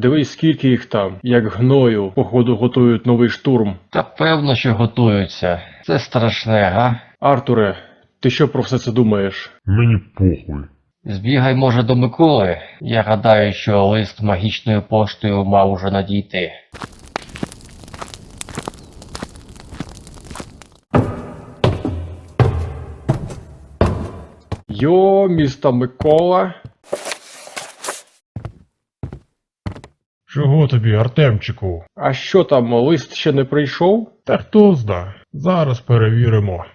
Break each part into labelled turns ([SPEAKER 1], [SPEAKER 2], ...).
[SPEAKER 1] Дивись, скільки їх там, як гною, походу готують новий штурм.
[SPEAKER 2] Та певно, що готуються. Це страшне, га?
[SPEAKER 1] Артуре, ти що про все це думаєш?
[SPEAKER 3] Мені похуй.
[SPEAKER 2] Збігай, може, до Миколи. Я гадаю, що лист магічною поштою мав уже надійти.
[SPEAKER 1] Йо, місто Микола.
[SPEAKER 3] Чого тобі, Артемчику?
[SPEAKER 1] А що там, лист ще не прийшов?
[SPEAKER 3] Та хто зна? Зараз перевіримо.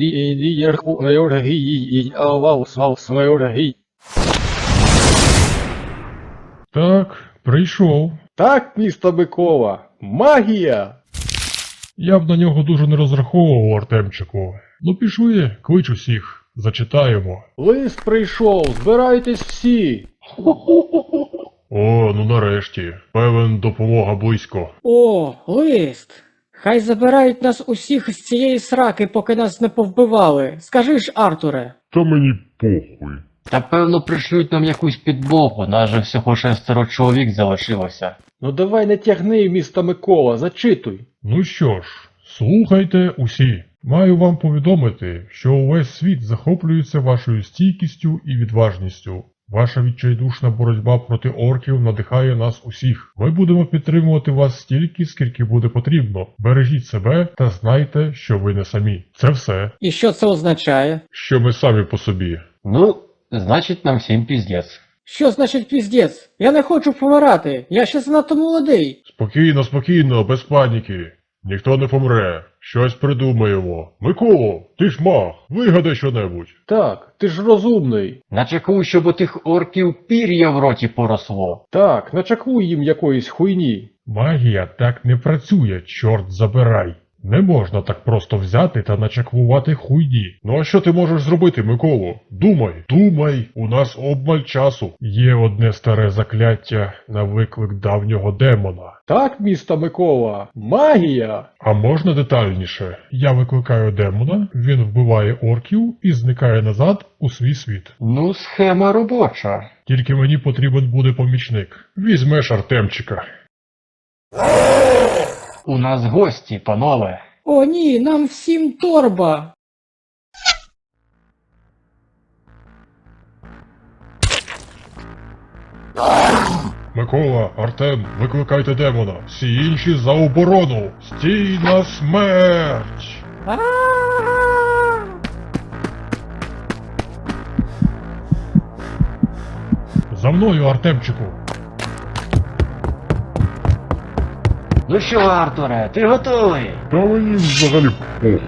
[SPEAKER 3] Так, прийшов.
[SPEAKER 1] Так, місто Микола, магія!
[SPEAKER 3] Я б на нього дуже не розраховував, Артемчику. Ну пішли, клич усіх, зачитаємо.
[SPEAKER 1] Лист прийшов, збирайтесь всі!
[SPEAKER 3] О, ну нарешті. Певен, допомога близько.
[SPEAKER 4] О, лист! Хай забирають нас усіх з цієї сраки, поки нас не повбивали. Скажи ж, Артуре.
[SPEAKER 3] Та мені похуй.
[SPEAKER 2] Та певно пришлють нам якусь підмогу, нас же всього 6 чоловік залишилося.
[SPEAKER 1] Ну давай не тягни, місто Микола, зачитуй.
[SPEAKER 3] Ну що ж, слухайте усі. Маю вам повідомити, що увесь світ захоплюється вашою стійкістю і відважністю. Ваша відчайдушна боротьба проти орків надихає нас усіх. Ми будемо підтримувати вас стільки, скільки буде потрібно. Бережіть себе та знайте, що ви не самі. Це все.
[SPEAKER 4] І що це означає?
[SPEAKER 3] Що ми самі по собі.
[SPEAKER 2] Ну, значить нам всім піздець.
[SPEAKER 4] Що значить піздець? Я не хочу помирати, я ще занадто молодий.
[SPEAKER 3] Спокійно, спокійно, без паніки. Ніхто не помре. Щось придумаємо. Миколо, ти ж маг, вигадай щонебудь.
[SPEAKER 1] Так, ти ж розумний.
[SPEAKER 2] Начекую, щоб у тих орків пір'я в роті поросло.
[SPEAKER 1] Так, начакуй їм якоїсь хуйні.
[SPEAKER 3] Магія так не працює, чорт забирай. Не можна так просто взяти та начаклувати хуйні. Ну а що ти можеш зробити, Миколо? Думай, у нас обмаль часу. Є одне старе закляття на виклик давнього демона.
[SPEAKER 1] Так, місто Микола, магія!
[SPEAKER 3] А можна детальніше? Я викликаю демона, він вбиває орків і зникає назад у свій світ.
[SPEAKER 2] Ну, схема робоча.
[SPEAKER 3] Тільки мені потрібен буде помічник. Візьмеш Артемчика.
[SPEAKER 2] У нас гості, панове.
[SPEAKER 4] О ні, нам всім торба.
[SPEAKER 3] Микола, Артем, викликайте демона. Всі інші за оборону. Стій на смерть!
[SPEAKER 4] А-а-а!
[SPEAKER 3] За мною, Артемчику.
[SPEAKER 2] Ну що, Артуре, ти готовий?
[SPEAKER 3] Та мені взагалі похуй.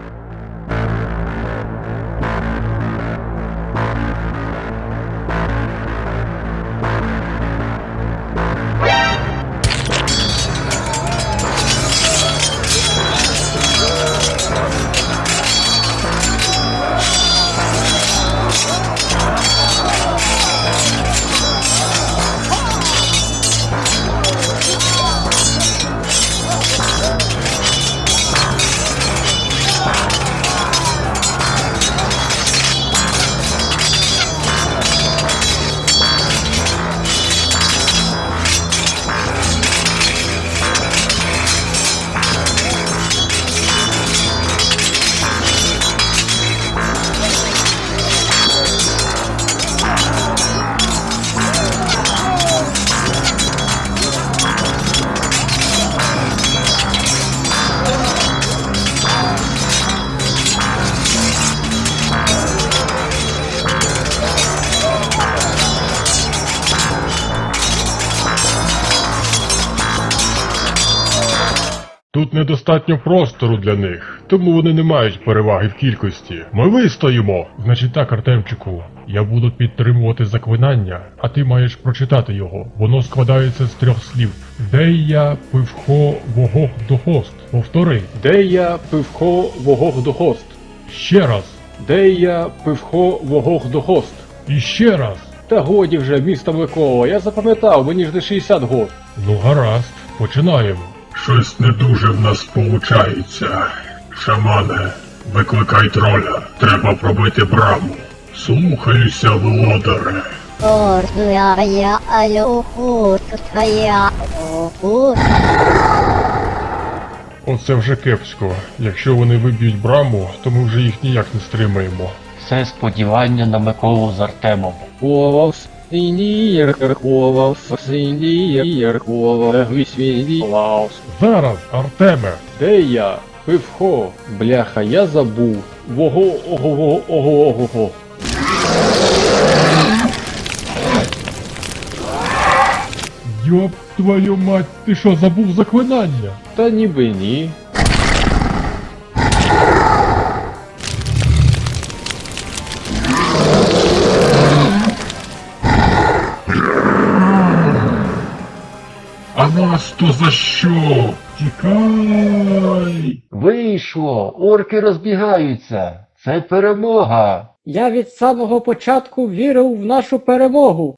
[SPEAKER 3] Тут недостатньо простору для них, тому вони не мають переваги в кількості. Ми вистоїмо! Значить так, Артемчику, я буду підтримувати заклинання, а ти маєш прочитати його. Воно складається з 3 слів. Дея пивхо вогох дохост. Повтори.
[SPEAKER 1] Дея пивхо вогох дохост.
[SPEAKER 3] Ще раз.
[SPEAKER 1] Дея пивхо вогох дохост.
[SPEAKER 3] І ще раз.
[SPEAKER 1] Та годі вже, місто Микола, я запам'ятав, мені ж не 60 год.
[SPEAKER 3] Ну гаразд, починаємо. Щось не дуже в нас получається. Шамане, викликай троля. Треба пробити браму. Слухаюся, володаре. Оце вже кепсько. Якщо вони виб'ють браму, то ми вже їх ніяк не стримаємо.
[SPEAKER 2] Все сподівання на Миколу з Артемом.
[SPEAKER 1] Ховав синір, ховав синір, ховав свій.
[SPEAKER 3] Зараз, Артеме!
[SPEAKER 1] Де я? Пивхо. Бляха, я забув. Ого.
[SPEAKER 3] Йоп твою мать, ти що, забув заклинання?
[SPEAKER 1] Та ніби ні.
[SPEAKER 3] А нас то за що? Тікай!
[SPEAKER 2] Вийшло! Орки розбігаються! Це перемога!
[SPEAKER 4] Я від самого початку вірив в нашу перемогу.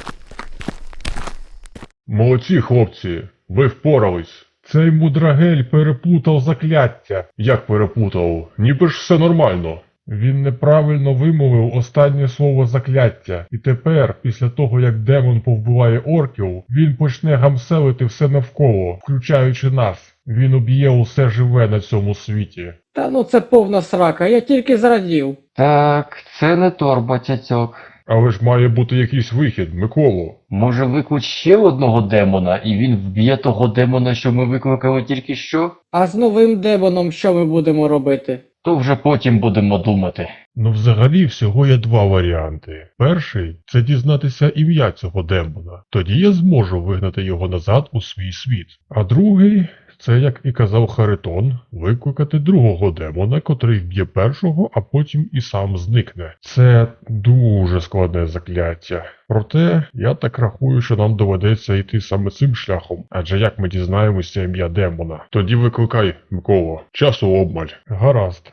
[SPEAKER 3] Молодці, хлопці, ви впорались. Цей мудрагель переплутав закляття. Як переплутав? Ніби ж все нормально. Він неправильно вимовив останнє слово закляття, і тепер, після того як демон повбиває орків, він почне гамселити все навколо, включаючи нас. Він уб'є усе живе на цьому світі.
[SPEAKER 4] Та ну це повна срака, я тільки зрадів.
[SPEAKER 2] Так, це не торба, цяцьок.
[SPEAKER 3] Але ж має бути якийсь вихід, Миколо.
[SPEAKER 2] Може виклич ще одного демона, і він вб'є того демона, що ми викликали тільки що?
[SPEAKER 4] А з новим демоном що ми будемо робити?
[SPEAKER 2] То вже потім будемо думати.
[SPEAKER 3] Ну взагалі всього є два варіанти. Перший – це дізнатися ім'я цього демона. Тоді я зможу вигнати його назад у свій світ. А другий – це, як і казав Харитон, викликати другого демона, котрий вб'є першого, а потім і сам зникне. Це дуже складне закляття. Проте, я так рахую, що нам доведеться йти саме цим шляхом. Адже як ми дізнаємося ім'я демона? Тоді викликай, Микола. Часу обмаль. Гаразд.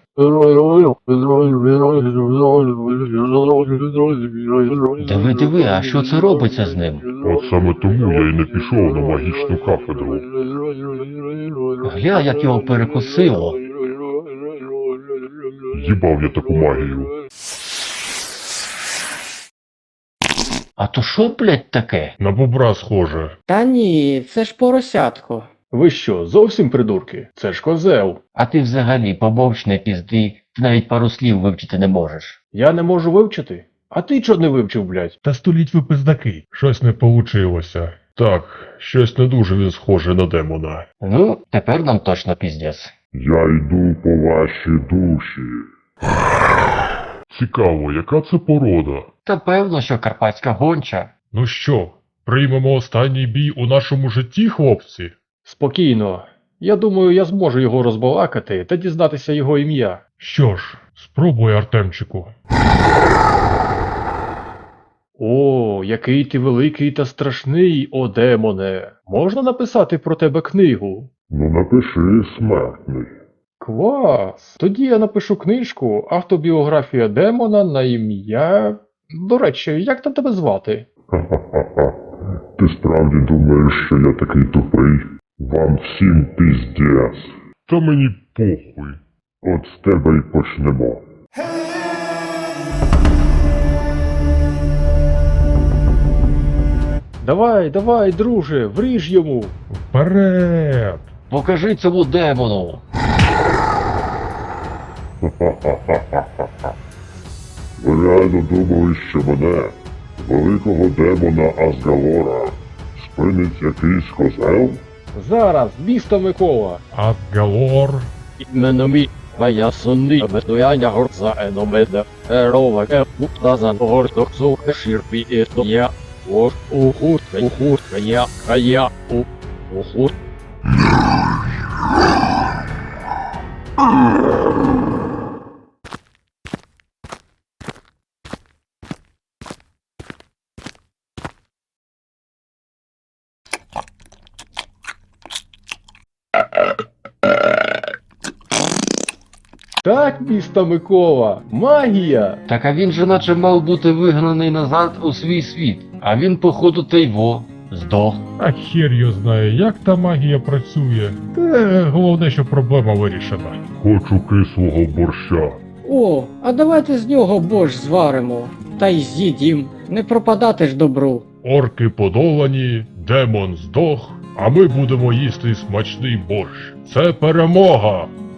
[SPEAKER 2] Диви, а що це робиться з ним?
[SPEAKER 3] От саме тому я й не пішов на магічну кафедру.
[SPEAKER 2] Гля, як його перекосило.
[SPEAKER 3] Їбав я таку магію.
[SPEAKER 2] А то що, блядь, таке?
[SPEAKER 3] На бобра схоже.
[SPEAKER 4] Та ні, це ж поросятко.
[SPEAKER 1] Ви що, зовсім придурки? Це ж козел.
[SPEAKER 2] А ти взагалі помовч не пізди, ти навіть пару слів вивчити не можеш.
[SPEAKER 1] Я не можу вивчити? А ти чого не вивчив, блядь?
[SPEAKER 3] Та століть ви пиздаки. Щось не получилося. Так, щось не дуже він схоже на демона.
[SPEAKER 2] Ну, тепер нам точно піздець.
[SPEAKER 3] Я йду по ваші душі. Цікаво, яка це порода?
[SPEAKER 2] Та певно, що карпатська гонча.
[SPEAKER 3] Ну що, приймемо останній бій у нашому житті, хлопці?
[SPEAKER 1] Спокійно. Я думаю, я зможу його розбалакати та дізнатися його ім'я.
[SPEAKER 3] Що ж, спробуй, Артемчику.
[SPEAKER 1] О, який ти великий та страшний, о демоне. Можна написати про тебе книгу?
[SPEAKER 3] Ну напиши, смертний.
[SPEAKER 1] Клас! Тоді я напишу книжку «Автобіографія демона на ім'я...» До речі, як там тебе звати?
[SPEAKER 3] Ха-ха-ха. Ти справді думаєш, що я такий тупий? Вам всім піздець. Та мені похуй. От з тебе й почнемо.
[SPEAKER 1] Давай, друже, вріж йому!
[SPEAKER 3] Вперед!
[SPEAKER 2] Покажи цьому демону.
[SPEAKER 3] Ви реально думали, що мене, великого демона Асгалора, спинить якийсь козел?
[SPEAKER 1] Зараз, місто Микола!
[SPEAKER 3] Асгалор?
[SPEAKER 1] Іменно мій, моя сонни, обетуяння горца еномеда, ерова епуптазан горток суха шірпі ето я, ор, ухут, я, ухут. Так, місто Микола, магія!
[SPEAKER 2] Так а він же наче мав бути вигнаний назад у свій світ. А він, походу, тейво. Здох.
[SPEAKER 3] А хер його знає, як та магія працює. Головне, що проблема вирішена. Хочу кислого борща.
[SPEAKER 4] О, а давайте з нього борщ зваримо. та й з'їдім. Не пропадати ж добру.
[SPEAKER 3] Орки подолані, демон здох, а ми будемо їсти смачний борщ. Це перемога!